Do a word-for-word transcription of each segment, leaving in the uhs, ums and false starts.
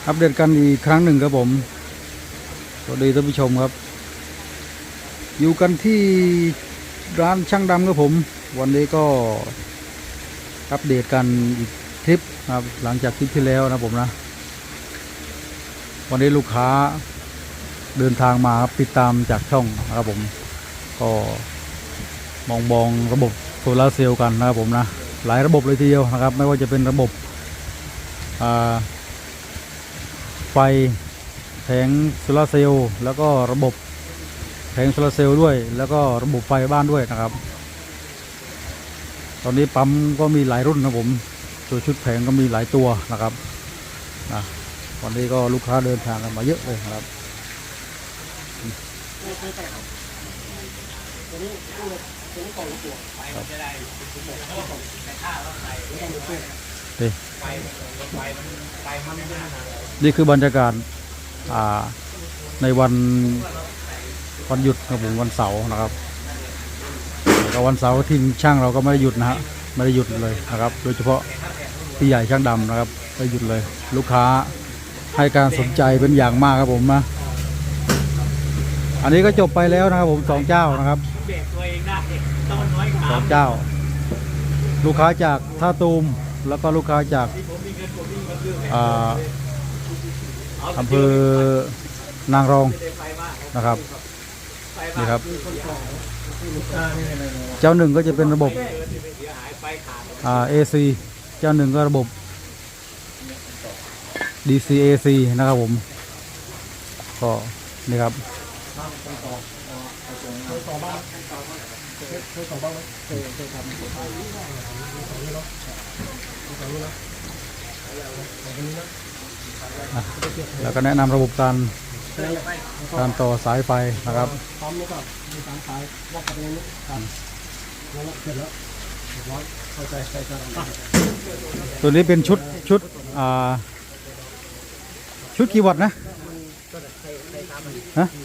อัปเดตกันอีกครั้งหนึ่งครับผมสวัสดีท่านผู้ชมครับอยู่กันที่ร้านช่างดำครับผมวันนี้ก็อัปเดตกันอีกทริปครับหลังจากทริปที่แล้วนะผมนะวันนี้ลูกค้าเดินทางมาติดตามจากช่องนะครับผมก็มองมองระบบโซลาร์เซลล์กันนะครับผมนะหลายระบบเลยทีเดียวนะครับไม่ว่าจะเป็นระบบไฟแผงโซลาร์เซลล์แล้วก็ระบบแผงโซลาร์เซลล์ด้วยแล้วก็ระบบไฟบ้านด้วยนะครับตอนนี้ปั๊มก็มีหลายรุ่นนะผมตัวชุดแผงก็มีหลายตัวนะครับนะวันนี้ก็ลูกค้าเดินทางกันมาเยอะเลยครับนี่คือบรรยากาศในวันวันหยุดครับผมวันเสาร์นะครับแต่วันเสาร์ทีมช่างเราก็ไม่ได้หยุดนะฮะไม่ได้หยุดเลยนะครับโดยเฉพาะพี่ใหญ่ช่างดำนะครับไม่หยุดเลยลูกค้าให้การสนใจเป็นอย่างมากครับผมนะอันนี้ก็จบไปแล้วนะครับผมสองเจ้านะครับสองเจ้าลูกค้าจากท่าตูมแล้วก็ลูกค้าจากอำเภอนางรองนะครับนี่ครับเจ้าหนึ่งก็จะเป็นระบบอ่า เอ ซี เจ้าหนึ่งก็ระบบ ดี ซี เอ ซี นะครับผมก็นี่ครับแล้วก็แนะนำระบบการการต่อสายไฟนะครับตัวนี้เป็นชุดชุดอ่าชุดกี่วัตต์นะฮะ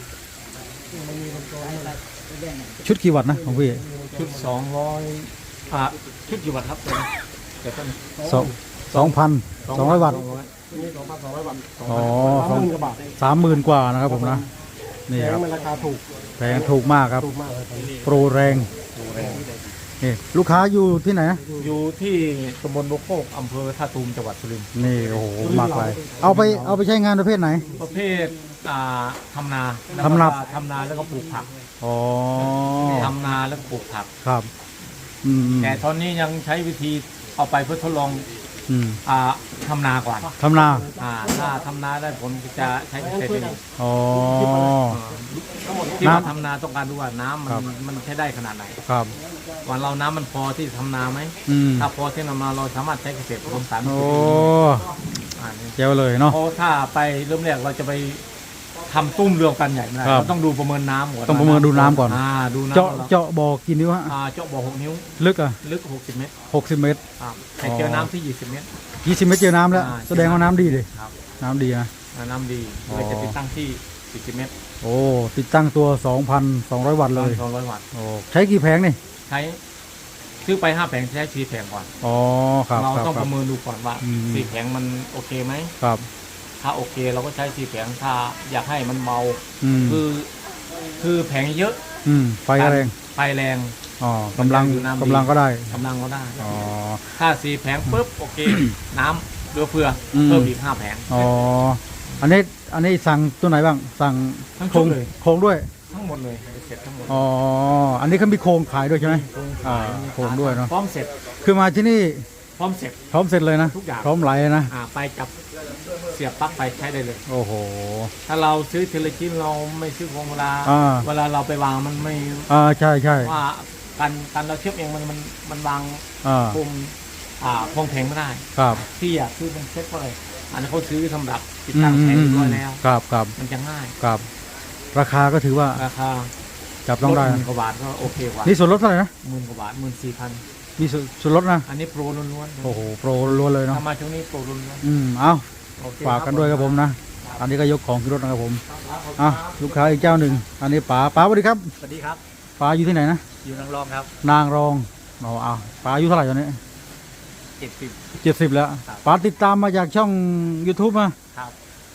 ชุดกี่วัตต์นะของพี่ชุดสองร้อยอ่าชุดกี่วัตต์ครับสองสองพันสองร้อยวัตต์อ๋อสามหมื่นกว่านะครับผมนะนี่ครับราคาถูกแพงถูกมากครับโปรแรงนี่ลูกค้าอยู่ที่ไหนอยู่ที่ตำบลโบกโคกอำเภอท่าตูมจังหวัดสุรินทร์นี่โอ้โหมากเลยเอาไปเอาไปใช้งานประเภทไหนประเภทอ่าทำนาทำนาทำนาแล้วก็ปลูกผักอ๋อทำนาแล้วก็ปลูกผักครับแต่ตอนนี้ยังใช้วิธีเอาไปเพื่อทดลองอ่าทำนาก่อนทำนาอ่าถ้าทำนาได้ผลจะใช้เกษตรเป็นอ๋อที่มาทำนาต้องการดูว่าน้ำมันมันใช้ได้ขนาดไหนครับวันเราน้ำมันพอที่ทำนาไหมถ้าพอที่ทำนาเราสามารถใช้เกษตรผสมสารโอ้เจ๋วเลยเนาะเพราะถ้าไปเริ่มแรกเราจะไปทำตุ้มเรือกันใหญ่ไม่ได้เราต้องดูประเมินน้ำก่อนต้องประเมินดูน้ำก่อนดูน้ำเจาะเจาะบ่อกี่นิ้วฮะเจาะบ่อหกนิ้วลึกอ่ะลึกหกสิบเมตรหกสิบเมตรให้เจอน้ำที่ยี่สิบเมตรยี่สิบเมตรเจอน้ำแล้วแสดงว่าน้ำดีเลยน้ำดีนะน้ำดีเลยจะติดตั้งที่สี่สิบเมตรโอ้ติดตั้งตัว สองพันสองร้อย วัตต์เลยสองร้อยวัตต์โอ้ใช้กี่แผงนี่ใช้ซื้อไปห้าแผงใช้สี่แผงก่อนอ๋อครับเราต้องประเมินดูก่อนว่าสี่แผงมันโอเคไหมครับถ้าโอเคเราก็ใช้สี่แผงถ้าอยากให้มันเบาคือคือแผงเยอะไฟแรงไฟแรงอ๋อกำลังกำลังก็ได้กำลังก็ได้อ๋อถ้าสี่แผงปุ๊บโอเคน้ำเรือเฟือเพิ่มอีกห้าแผงอ๋ออันนี้อันนี้สั่งตัวไหนบ้างสั่งโครงโครงด้วยทั้งหมดเลยเสร็จทั้งหมดอ๋ออันนี้เขามีโครงขายด้วยใช่ไหมอ่าโครงด้วยเนาะพร้อมเสร็จคือมาที่นี่พร้อมเสร็จพร้อมเสร็จเลยนะทุกอย่างพร้อมไหลนะอ่าไปจับเสียบปลั๊กไปใช้ได้เลยโอ้โหถ้าเราซื้อเทเลจินเราไม่ซื้อโครงเวลาเวลาเราไปวางมันไม่อ่าใช่ใช่ว่าการการเราเชื่อมเองมันมันมันวางโครงอ่าโครงแผงไม่ได้ครับที่อยากซื้อเป็นเซ็ตเพราะอะไรอันนี้เขาซื้อสำหรับติดตั้งแผงเรียบร้อยแล้วครับครับมันจะง่ายครับราคาก็ถือว่าราคาจับต้องได้หมื่นกว่าบาทก็โอเคกว่านี่ส่วนลดเท่าไหร่นะหมื่นกว่าบาทหมื่นสี่พันมีส่วนลดนะอันนี้โปรล้วนๆโอ้โหโปรล้วนเลยเนาะทำมาช่วงนี้โปรล้วนๆอืมเอาฝากกันด้วยครับผมนะอันนี้ก็ยกของขึ้นรถนะครับผมอ่ะลูกค้าอีกเจ้าหนึ่งอันนี้ป๋าป๋าสวัสดีครับสวัสดีครับป๋าอยู่ที่ไหนนะอยู่นางรองครับนางรองเอาเอาป๋าอายุเท่าไหร่ตอนนี้เจ็ดสิบเจ็ดสิบแล้วป๋าติดตามมาจากช่อง ยูทูบ มาครับ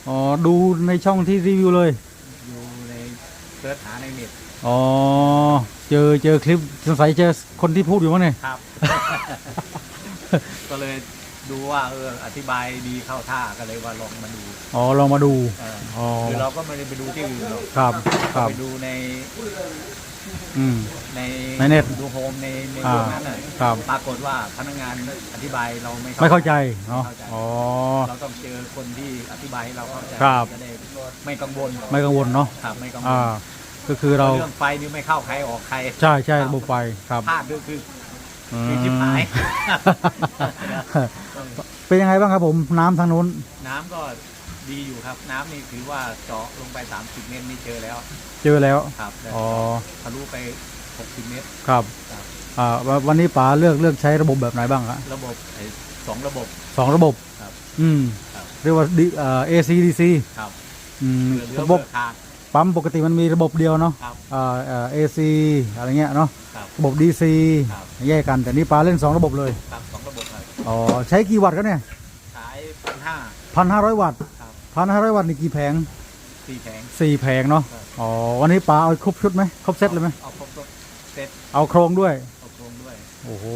อ๋อดูในช่องที่รีวิวเลยอยู่ในเสิร์ชหาในเน็ตอ๋อเจอเจอคลิปสงสัยเจอคนที่พูดอยู่มั้งเนี่ยครับ ก็เลยดูว่าเอออธิบายดีเข้าท่าก็เลยว่าลองมาดูอ๋อลองมาดูเอออ๋อคือเราก็ไม่ได้ไปดูที่อื่นหรอกครับครับไปดูในอืมในในเน็ตดูโฮมในในอ่าพวกนั้นน่ะครับปรากฏว่าพนักงานอธิบายเราไม่ไม่เข้าใจเนาะไม่เข้าใจอ๋อเราต้องเจอคนที่อธิบายให้เราเข้าใจครับจะได้ไม่กังวลไม่กังวลเนาะครับไม่กังวลอ่าก็คือเราเรื่องไฟนี่ไม่เข้าใครออกใครใช่ใช่ระบบไฟครับพลาดด้วยคืออืคือชิบหายเป็นยังไงบ้างครับผมน้ำทางนู้นน้ำก็ดีอยู่ครับ น้ำนี่ถือว่าเจาะลงไป สามสิบ เมตรนี่เจอแล้วเจอแล้วครับแต่อ๋อทะลุไป หกสิบ เมตรครับครับอ่าวันวันนี้ป๋าเลือกเลือกใช้ระบบแบบไหนบ้างครับระบบไอ้สองระบบสองระบบครับอืมครับเรียกว่าดีอ่า เอ ซี ดี ซีครับอืมเหลือเหลือระบเบิบกขาดปั๊มปกติมันมีระบบเดียวเนาะครับอ่าเอ่อ เอ ซี อะไรเงี้ยเนาะครับระบบ ดี ซีครับแยกกันแต่นี่ป๋าเล่นสองระบบเลยครับสองระบบครับอ๋อใช้กี่วัตต์กันเนี่ยขายพันห้าพันห้าร้อยวัตต์ครับพันห้าร้อยวัตต์นี่กี่แผงสี่แผงสี่แผงเนาะครับอ๋อวันนี้ป๋าเอาครบชุดไหมครบเซตเลยไหมเอาครบครบเซ็ตเอาโครงด้วยเอาโครงด้วยโอ้โห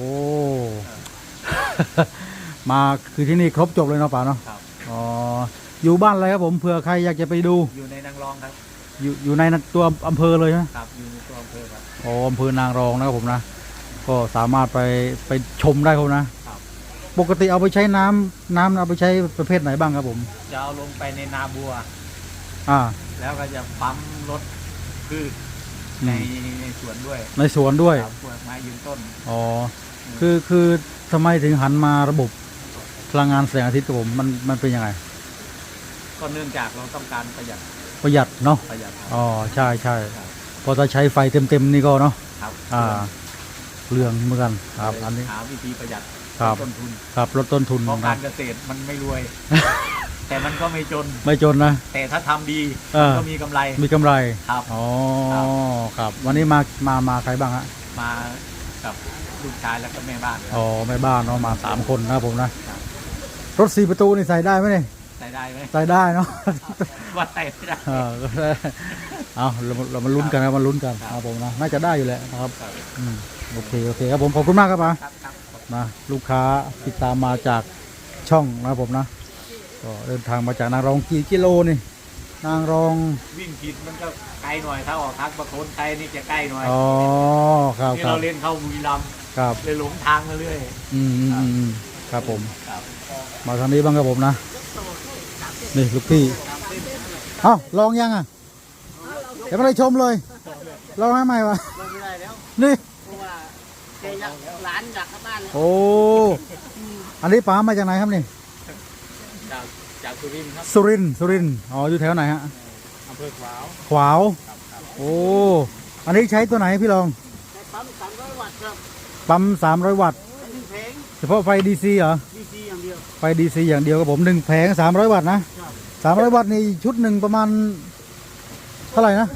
ครับมาคือที่นี่ครบจบเลยเนาะป๋าเนาะครับอ๋ออยู่บ้านอะไรครับผมเผื่อใครอยากจะไปดูอยู่ในนางรองครับอยู่อยู่ในตัวอำเภอเลยใช่ไหมครับอยู่ในตัวอำเภอครับอ๋ออำเภอนางรองนะครับผมนะ ก็สามารถไปไปชมได้ครับนะครับปกติเอาไปใช้น้ำน้ำเอาไปใช้ประเภทไหนบ้างครับผมจะเอาลงไปในนาบัวอ่าแล้วก็จะปั๊มรถพืชอืมในในสวนด้วยในสวนด้วยครับพวกไม้ยืนต้นอ๋อคือคือทำไมถึงหันมาระบบพลังงานแสงอาทิตย์ครับผมมันมันเป็นยังไงก็เนื่องจากเราต้องการประหยัดประหยัดเนาะประหยัดครับอ๋อใช่ใช่ครับพอจะใช้ไฟเต็มๆนี่ก็เนาะครับอ่าเรื่องเหมือนกันครับอันนี้หาวิธีประหยัดครับต้นทุนครับลดต้นทุนเพราะนะการเกษตรมันไม่ร วย แต่มันก็ไม่จนไม่จนนะแต่ถ้าทำดีเออก็มีกำไรมีกำไรครับอ๋อครับครับ วันนี้มามามาใครบ้างฮะมากับลูกชายแล้วก็แม่บ้านครับอ๋อแม่บ้านเนาะมาสามคนนะครับผมนะครับ รถสี่ประตูนี่ใส่ได้ไหมเนี่ยใส่ได้ไหมใส่ได้เนาะว่าใส่ไม่ได้เออก็ได้เอาเรามาเรามาลุ้นกันนะมาลุ้นกันครับนะครับผมนะน่าจะได้อยู่แหละนะครับครับอืมโอเคโอเคครับผมขอบคุณมากครับป๋าครับครับนะลูกค้าติดตามมาจากช่องนะครับผมนะก็เดินทางมาจากนางรองกี่กิโลนี่นางรองวิ่งผิดมันก็ไกลหน่อยถ้าออกทางประโคนไกลนี่จะใกล้หน่อยอ๋อครับที่ครัเราบเล่นเข้าบุรีรัมย์ครับเลยหลงทางมาเรื่อยอืมอืมอืมอืมครับผมครับมาทางนี้บ้างครับผมนะนี่ลูกพี่เอ้าลองยังอ่ะเดี๋ยวไม่ได้ชมเลยลองให้ใหม่วะลงไม่ได้แล้วนี่เพราะว่าแกอยากหลานอยากเข้าบ้านแล้วโอ้อันนี้ป๋ามาจากไหนครับนี่จากจากสุรินทร์ครับสุรินทร์สุรินทร์อ๋ออยู่แถวไหนฮะอำเภอขวาวขวาวโอ้อันนี้ใช้ตัวไหนพี่ลองใช้ปั๊มสามร้อยวัตต์ครับปั๊มสามร้อยวัตต์ใช้หนึ่งแผงเฉพาะไฟดีซีเหรอดีซีอย่างเดียวไฟดีซีอย่างเดียวครับผมหนึ่งแผงสามร้อยวัตต์นะครับ สามร้อยวัตต์นี่ชุดหนึ่งประมาณเท่าไหร่นะ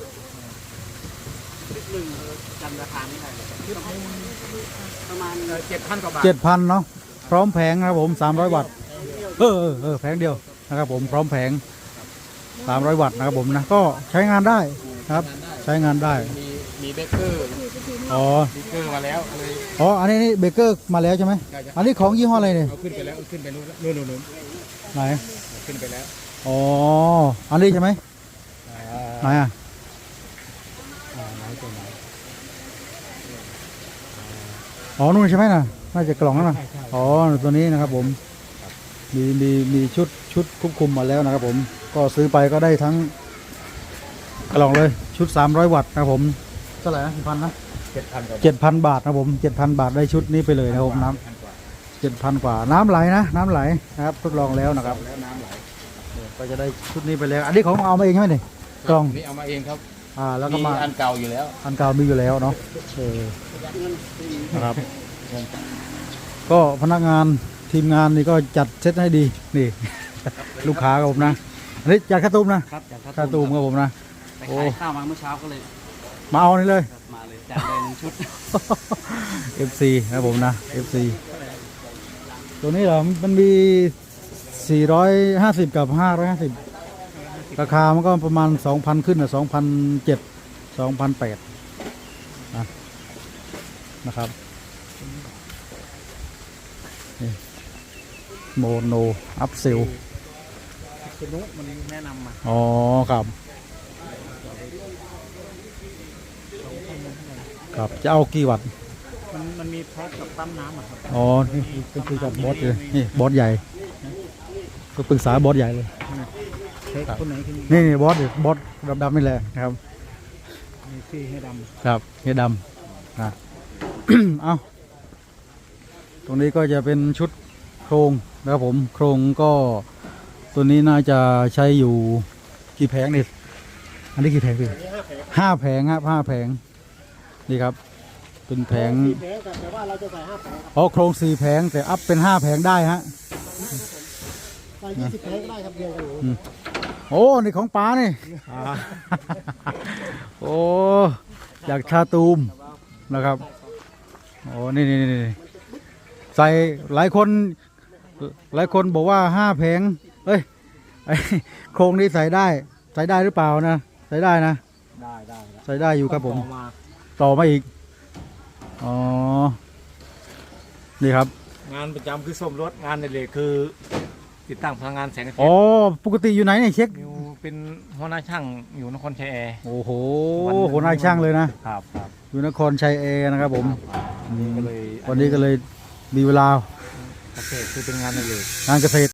ชุดหนึ่งจำราคาไม่ได้ชุดหนึ่งประมาณเจ็ดพันกว่าบาทเจ็ดพันเนาะพร้อมแผงนะครับผมสามร้อยวัตต์เออเออเออแผงเดียวนะครับผมพร้อมแผงสามร้อยวัตต์นะครับผมนะก็ใช้งานได้นะครับ ใช้งานได้มีมีเบเกอร์อ๋อเบเกอร์มาแล้วเลยอ๋ออันนี้นี่เบเกอร์มาแล้วใช่ไหมอันนี้ของยี่ห้ออะไรเนี่ยเอาขึ้นไปแล้วเอาขึ้นไปนู่นนู่นนู่นนู่นไหนเอาขึ้นไปแล้วอ๋ออันนี้ใช่ไหมไหนอ่ะอ่าไหนตัวไหนอ๋อนู่นใช่ไหมน่ะน่าจะกล่องนั่นน่ะอ๋อตัวนี้นะครับผมมีมีมีชุดชุดควบคุมมาแล้วนะครับผมก็ซื้อไปก็ได้ทั้งกล่องเลยชุดสามร้อยวัตต์นะครับผมเท่าไหร่นะกี่พันนะเจ็ดพันกว่าเจ็ดพันบาทนะครับผมเจ็ดพันบาทได้ชุดนี้ไปเลยนะครับผมน้พันกว่าำเจ็ดพันกว่าน้ำไหลนะน้ำไหลนะครับทดลองแล้วนะครับแล้วน้ำไหลก็จะได้ชุดนี้ไปแล้ว อันนี้ของเอามาเองใช่ไหมเนี่ยกล่องนี่เอามาเองครับอ่าแล้วก็มีมาอันเก่าอยู่แล้วอันเก่ามีอยู่แล้วเนาะเออนะครับ ก็พนักงานทีมงานนี่ก็จัดเซตให้ดีนี่ ลูกค้าครับผมนะอันนี้จัดข้าวตุ้มนะครับจากข้าวตุ้มครับผมนะไปขายข้าวมาเมื่อเช้าก็เลยมาเอานี่เลยครับมาเลยจัดเลยหนึ่งชุดเอฟ ซี นะครับผมนะ เอฟ ซี ตัวนี้เหรอมันมีสี่ร้อยห้าสิบกับห้าร้อยห้าสิบราคามันก็ประมาณสองพันขึ้นนะสองพันเจ็ดสองพันแปดนะนะครับนี่โมโนอัพเซลคุณนุมันแนะนำมาอ๋อครับครับจะเอากี่วัตต์มันมันมีแพ็คกับปั๊มน้ำอ่ะครับอ๋อนี่ก็คุยกับบอสเลยนี่บอสใหญ่ก็ปรึกษาบอสใหญ่เลยแพ็คคนไหนคือนี่นี่บอสบอสดำๆนี่แหละนะครับมีซี่ให้ดครับเฮียดำนะ เอาตรงนี้ก็จะเป็นชุดโครงนะครับผมโครงก็ตัวนี้น่าจะใช้อยู่กี่แผงนี่อันนี้กี่แผงพี่ห้าแผงครับห้าแผงนี่ครับเป็นแผงำแพ็คแต่ว่าเราจะใส่ห้าแพ็คอ๋อโครงสี่แผงแต่อัพเป็นห้าแผงได้ฮะใส่ยี่สิบแพ็คได้ครับเดียวกันอืมโอ้นี่ของป้านี่ โอ้อยากชาตูมนะครับโอ้นี่นี่นี่ใส่หลายคนหลายคนบอกว่าห้าแผงเอ้ยไอ้โครงนี้ใส่ได้ใส่ได้หรือเปล่านะใส่ได้นะได้ได้ใส่ได้อยู่ครับผมต่อมาต่อมาอีกอ๋อนี่ครับงานประจำคือซ่อมรถงานในเลยคือ ติดตั้งพลังงานแสงอาทิตอ๋อย์ปกติอยู่ไหนเนี่ยเช็คอยู่เป็นหัวหน้าช่างอยู่นครชัยแอร์โอ้โหวันหนึ่งหัวหน้าช่างเลยนะครับครับอยู่นครชัยเอนะครับผมวันนี้ก็เลยวันนี้ก็เลยมีเวลาเกษตรคือเป็นงานในเลยงานเกษตร